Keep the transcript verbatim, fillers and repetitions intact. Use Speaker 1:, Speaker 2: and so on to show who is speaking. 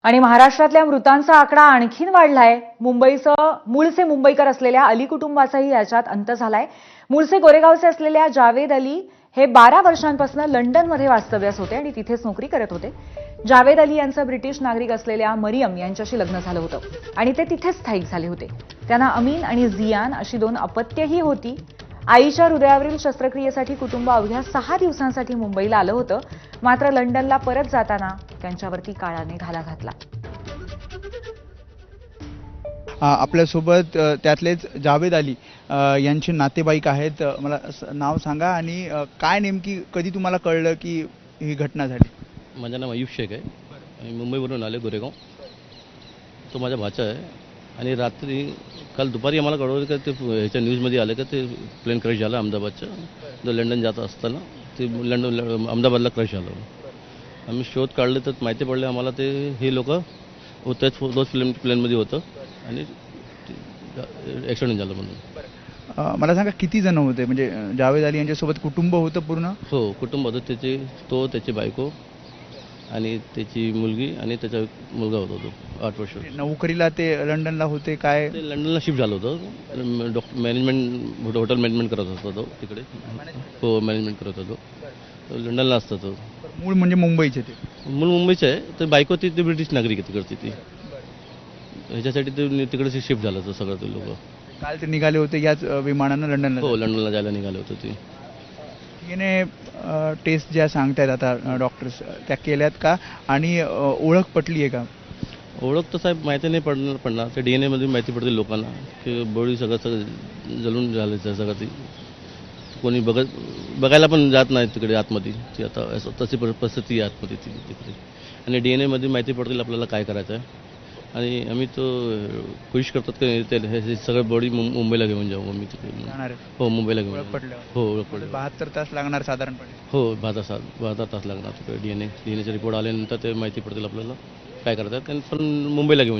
Speaker 1: आणि महाराष्ट्रातल्या मृतांचा आकडा आणखीन वाढलाय। मुंबईचं मूळचे मुंबईकर असलेल्या अली कुटुंबाचाही याच्यात अंत झालाय। मूळचे गोरेगावचे असलेल्या जावेद अली हे बारा वर्षांपासून लंडनमध्ये वास्तव्यास होते आणि तिथेच नोकरी करत होते। जावेद अली यांचं ब्रिटिश नागरिक असलेल्या मरियम यांच्याशी लग्न झालं होतं आणि ते तिथेच स्थायिक झाले होते। त्यांना अमीन आणि जियान अशी दोन अपत्यही होती। आईच्या हृदयावरील शस्त्रक्रियेसाठी कुटुंब अवघ्या सहा दिवसांसाठी मुंबईला आलं होतं, मात्र लंडनला परत जाताना त्यांच्यावरती काळाने घाला घातला।
Speaker 2: आपल्यासोबत त्यातलेच जावेद अली यांचे नातेवाईक आहेत। मला नाव सांगा आणि काय नेमकी कधी तुम्हाला कळलं की ही घटना झाली?
Speaker 3: माझं नाव अयूब शेख आहे। मी मुंबईवरून आले गोरेगाव। तो माझा भाचा आहे आणि रात्री काल दुपारी आम्हाला कळवलं की ते ह्याच्या न्यूजमध्ये आलं की ते प्लेन क्रॅश झालं अहमदाबादचं। जो लंडन जात असताना ते लंडन अहमदाबादला क्रॅश झालं। आम्ही शोध काढले तर माहिती पडले आम्हाला ते हे लोक होतेच तोच प्लेन प्लेनमध्ये होतं आणि ॲक्सिडेंट झालं म्हणून।
Speaker 2: मला सांगा किती जण होते? म्हणजे जावेद अली यांच्यासोबत कुटुंब होतं पूर्ण?
Speaker 3: हो, कुटुंब होतं। त्याचे तो त्याची बायको आणि त्याची मुलगी आणि त्याचा मुलगा होता तो आठ वर्ष।
Speaker 2: नोकरीला ते लंडनला होते काय?
Speaker 3: ते लंडनला शिफ्ट झालं होतं। डॉक्टर मॅनेजमेंट हॉटेल मॅनेजमेंट करत होता तो तिकडे। हो, मॅनेजमेंट करत होता तो। लंडनला असतो तो।
Speaker 2: मूळ म्हणजे मुंबईचे ते?
Speaker 3: मूळ मुंबईचे आहे। तर बायको ती ती ब्रिटिश नागरिक आहे तिकडची ती। ह्याच्यासाठी ते तिकडे शिफ्ट झालं होतं सगळं ते लोक।
Speaker 2: काल ते निघाले होते याच विमानानं लंडनला?
Speaker 3: हो, लंडनला जायला निघाले होते ते।
Speaker 2: तिने टेस्ट ज्या सांगतायत आता डॉक्टर्स त्या केल्यात का आणि ओळख पटली आहे का?
Speaker 3: ओळख तर साहेब माहिती नाही पडणार पडणार ते डी एन एमध्ये माहिती पडते लोकांना की बॉडी सगळं सगळं जळून झालं सगळं। ती कोणी बघत बघायला पण जात नाही तिकडे आतमध्ये। ती आता असं तशी परिस्थिती आहे आतमध्ये ती तिकडे। आणि डी एन एमध्ये माहिती पडतील आपल्याला काय करायचं आहे। आणि आम्ही तो कोशिश करतात की ते हे सगळं बॉडी मुंबईला घेऊन जाऊ आम्ही तिकडे। हो, मुंबईला घेऊन
Speaker 2: पडलं?
Speaker 3: हो, ओळख पडलं।
Speaker 2: बहात्तर तास लागणार साधारणपणे?
Speaker 3: हो, बहात्तर तास बहात्तर तास लागणार तिकडे। D N A D N एचे रिपोर्ट आल्यानंतर ते माहिती पडतील आपल्याला काय करतात पण मुंबईला घेऊन